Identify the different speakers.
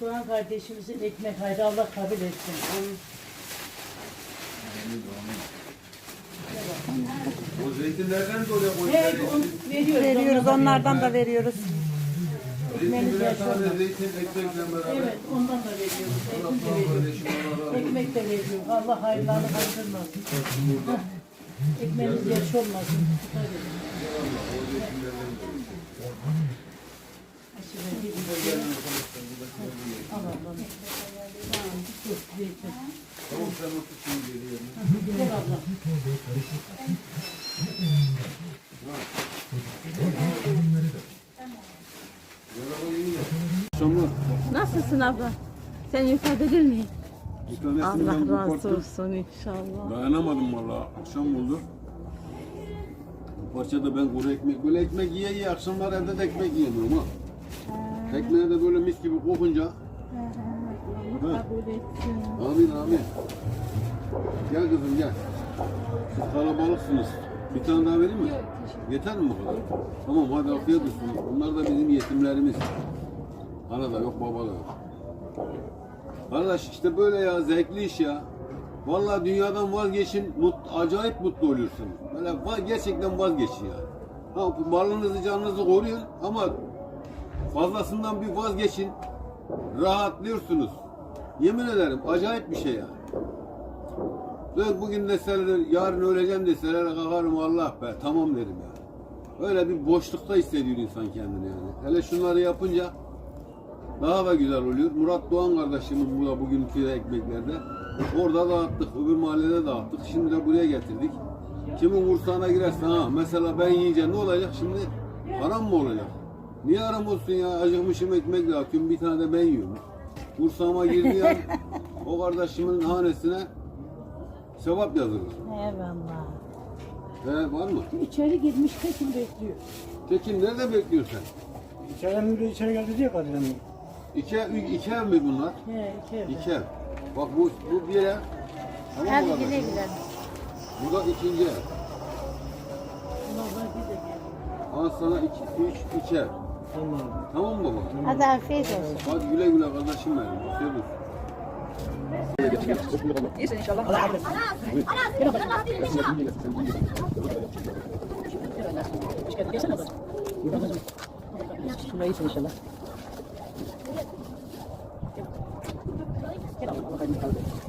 Speaker 1: Doğan kardeşimizin ekmek hayrı Allah kabul etsin.
Speaker 2: O zeytinlerden de oraya koyuyoruz.
Speaker 3: Veriyoruz, onlardan da veriyoruz.
Speaker 1: Ekmeğimiz yaşlanmaz.
Speaker 2: Zeytin ekmekle beraber.
Speaker 1: Evet, ondan da veriyoruz. Ekmek de veriyoruz. Ekmek de veriyoruz. Allah hayırlarını kaldırmasın. Ekmeğimiz yaş olmasın. Allah Allah. Dur, zeytin.
Speaker 2: Tamam sen otur şimdi geliyorum.
Speaker 1: Gel abla.
Speaker 3: Nasılsın abla? Sen ifade edilir miyim?
Speaker 2: Bir tanesini ben
Speaker 3: Allah razı
Speaker 2: koparttım.
Speaker 3: olsun inşallah.
Speaker 2: Dayanamadım valla. Akşam oldu. Bu parçada ben kuru ekmek, böyle ekmek yiye yiye akşamlar evde de ekmek yiyemiyorum ha. Ekmeğe de böyle mis gibi kokunca.
Speaker 3: Kabul etsin.
Speaker 2: Amin amin. Gel kızım gel. Siz kalabalıksınız. Bir tane daha vereyim mi? Yeter mi bu kadar? Tamam hadi afiyet olsun. Bunlar da bizim yetimlerimiz. Ana da yok baba da yok. Arkadaş işte böyle ya, zevkli iş ya. Vallahi dünyadan vazgeçin, acayip mutlu oluyorsun. Böyle gerçekten vazgeçin ya. Ha, varlığınızı canınızı koruyun ama fazlasından bir vazgeçin. Rahatlıyorsunuz. Yemin ederim acayip bir şey ya. Ben bugün deseler, yarın öleceğim deseler kalkarım Allah be, tamam derim ya. Öyle bir boşlukta hissediyor insan kendini yani. Hele şunları yapınca daha da güzel oluyor. Murat Doğan kardeşimin burada bugünkü ekmeklerde. Orada dağıttık, öbür mahallede dağıttık. Şimdi de buraya getirdik. Kimin kursağına girerse ha, mesela ben yiyince ne olacak şimdi? Haram mı olacak? Niye haram olsun ya? Acıkmışım ekmek dağıtıyorum, bir tane de ben yiyorum. Kursağıma girdiği an o kardeşimin hanesine sevap yazılır.
Speaker 3: Eyvallah.
Speaker 2: He, var mı?
Speaker 1: İçeri girmiş Tekin bekliyor.
Speaker 2: Tekin nerede bekliyorsun sen?
Speaker 4: İçeri geldi diye kadar yani.
Speaker 2: İki ev mi bunlar?
Speaker 1: He, içeride.
Speaker 2: İki ev. Bak bu bir ev. Tamam mı kardeşim?
Speaker 3: gidelim.
Speaker 2: Bu da ikinci ev.
Speaker 1: Allah bir de gel.
Speaker 2: Al sana iki ev.
Speaker 4: Tamam.
Speaker 2: Tamam mı baba?
Speaker 3: Hadi afiyet olsun.
Speaker 2: Hadi güle güle kardeşim benim. Afiyet olsun.
Speaker 4: İyisin inşallah. Allah kabul etsin. Şurada iyisin inşallah. Gel Allah kabul etsin.